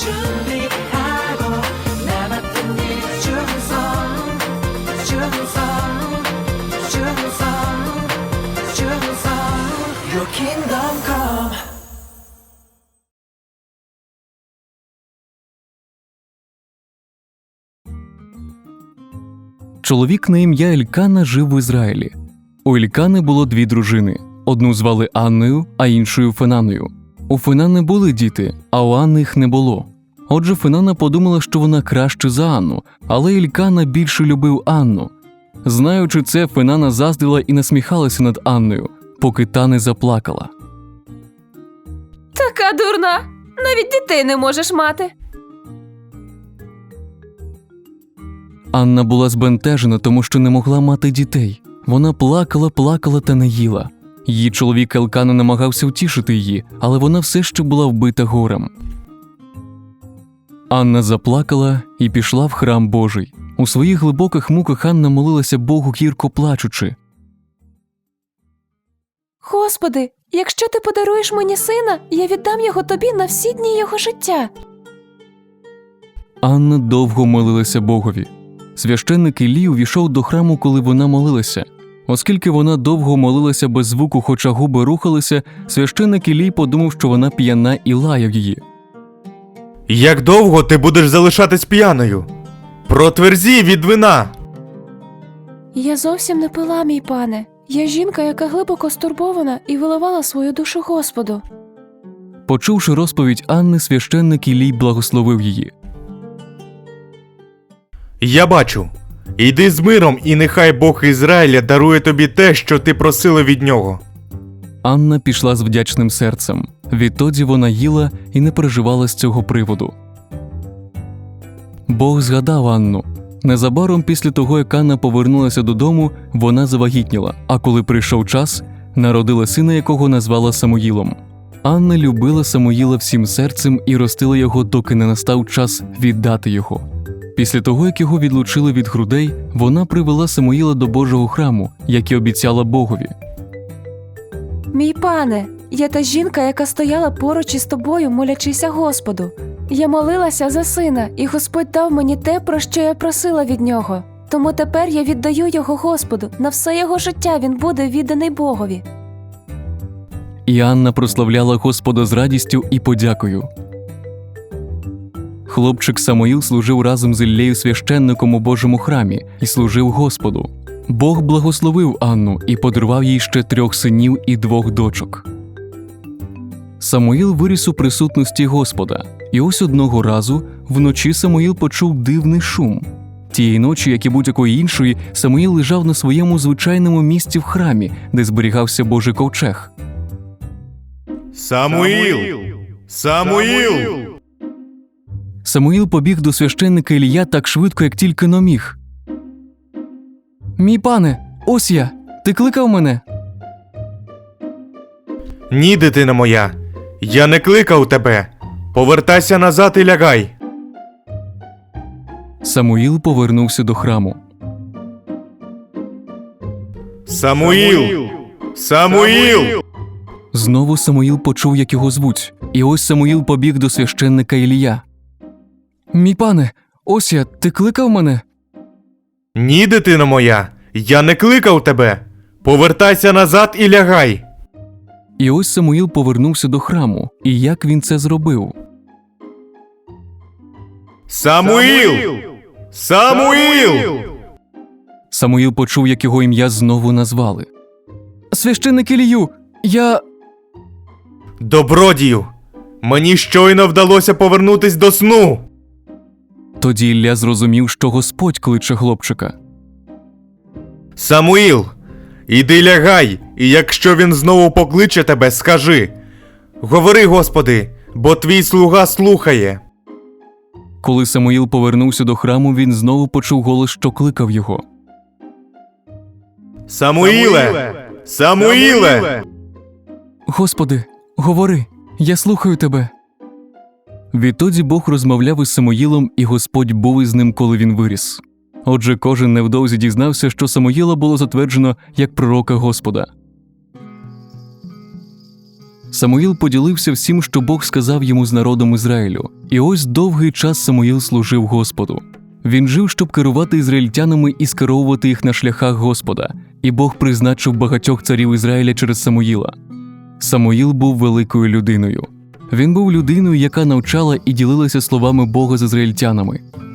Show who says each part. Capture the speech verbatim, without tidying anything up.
Speaker 1: 준비하고 나 맡은 일 충성 충성 충성 충성 Your kingdom come.
Speaker 2: Чоловік на ім'я Елькана жив в Ізраїлі. У Елькани було дві дружини. Одну звали Анною, а іншою Фенаною. У Фенани були діти, а у Анни їх не було. Отже, Фенана подумала, що вона краще за Анну, але Елькана більше любив Анну. Знаючи це, Фенана заздрила і насміхалася над Анною, поки та не заплакала.
Speaker 3: Така дурна! Навіть дітей не можеш мати.
Speaker 2: Анна була збентежена, тому що не могла мати дітей. Вона плакала, плакала та не їла. Її чоловік Елкана намагався втішити її, але вона все ще була вбита горем. Анна заплакала і пішла в храм Божий. У своїх глибоких муках Анна молилася Богу, гірко плачучи.
Speaker 3: Господи, якщо ти подаруєш мені сина, я віддам його тобі на всі дні його життя.
Speaker 2: Анна довго молилася Богові. Священник Іллі увійшов до храму, коли вона молилася. Оскільки вона довго молилася без звуку, хоча губи рухалися, священник Іллій подумав, що вона п'яна, і лаяв її.
Speaker 4: Як довго ти будеш залишатись п'яною? Протверзій від вина!
Speaker 3: Я зовсім не пила, мій пане. Я жінка, яка глибоко стурбована і виливала свою душу Господу.
Speaker 2: Почувши розповідь Анни, священник Іллій благословив її.
Speaker 4: Я бачу. Йди з миром, і нехай Бог Ізраїля дарує тобі те, що ти просила від нього.
Speaker 2: Анна пішла з вдячним серцем. Відтоді вона їла і не переживала з цього приводу. Бог згадав Анну. Незабаром після того, як Анна повернулася додому, вона завагітніла, а коли прийшов час, народила сина, якого назвала Самуїлом. Анна любила Самуїла всім серцем і ростила його, доки не настав час віддати його. Після того, як його відлучили від грудей, вона привела Самуїла до Божого храму, як і обіцяла Богові.
Speaker 3: Мій пане, я та жінка, яка стояла поруч із тобою, молячися Господу. Я молилася за сина, і Господь дав мені те, про що я просила від нього. Тому тепер я віддаю його Господу. На все його життя він буде відданий Богові.
Speaker 2: І Анна прославляла Господа з радістю і подякою. Хлопчик Самуїл служив разом з Іллею священником у Божому храмі і служив Господу. Бог благословив Анну і подарував їй ще трьох синів і двох дочок. Самуїл виріс у присутності Господа, і ось одного разу вночі Самуїл почув дивний шум. Тієї ночі, як і будь-якої іншої, Самуїл лежав на своєму звичайному місці в храмі, де зберігався Божий ковчег.
Speaker 4: Самуїл! Самуїл!
Speaker 2: Самуїл побіг до священника Ілія так швидко, як тільки но міг. «Мій пане, ось я! Ти кликав мене?»
Speaker 4: Ні, дитина моя, я не кликав тебе. Повертайся назад і лягай.
Speaker 2: Самуїл повернувся до храму.
Speaker 4: Самуїл! Самуїл!
Speaker 2: Знову Самуїл почув, як його звуть, і ось Самуїл побіг до священника Ілія. «Мій пане, ось я, ти кликав мене?»
Speaker 4: Ні, дитино моя, я не кликав тебе. Повертайся назад і лягай.
Speaker 2: І ось Самуїл повернувся до храму. І як він це зробив?
Speaker 4: Самуїл! Самуїл!
Speaker 2: Самуїл почув, як його ім'я знову назвали. «Священник Ілію, я…»
Speaker 4: Добродію! Мені щойно вдалося повернутись до сну.
Speaker 2: Тоді Ілля зрозумів, що Господь кличе хлопчика.
Speaker 4: Самуїл, іди лягай, і якщо він знову покличе тебе, скажи: говори, Господи, бо твій слуга слухає.
Speaker 2: Коли Самуїл повернувся до храму, він знову почув голос, що кликав його.
Speaker 4: Самуїле! Самуїле!
Speaker 2: «Господи, говори, я слухаю тебе». Відтоді Бог розмовляв із Самуїлом, і Господь був із ним, коли він виріс. Отже, кожен невдовзі дізнався, що Самуїла було затверджено як пророка Господа. Самуїл поділився всім, що Бог сказав йому з народом Ізраїлю. І ось довгий час Самуїл служив Господу. Він жив, щоб керувати ізраїльтянами і скеровувати їх на шляхах Господа, і Бог призначив багатьох царів Ізраїля через Самуїла. Самуїл був великою людиною. Він був людиною, яка навчала і ділилася словами Бога з ізраїльтянами.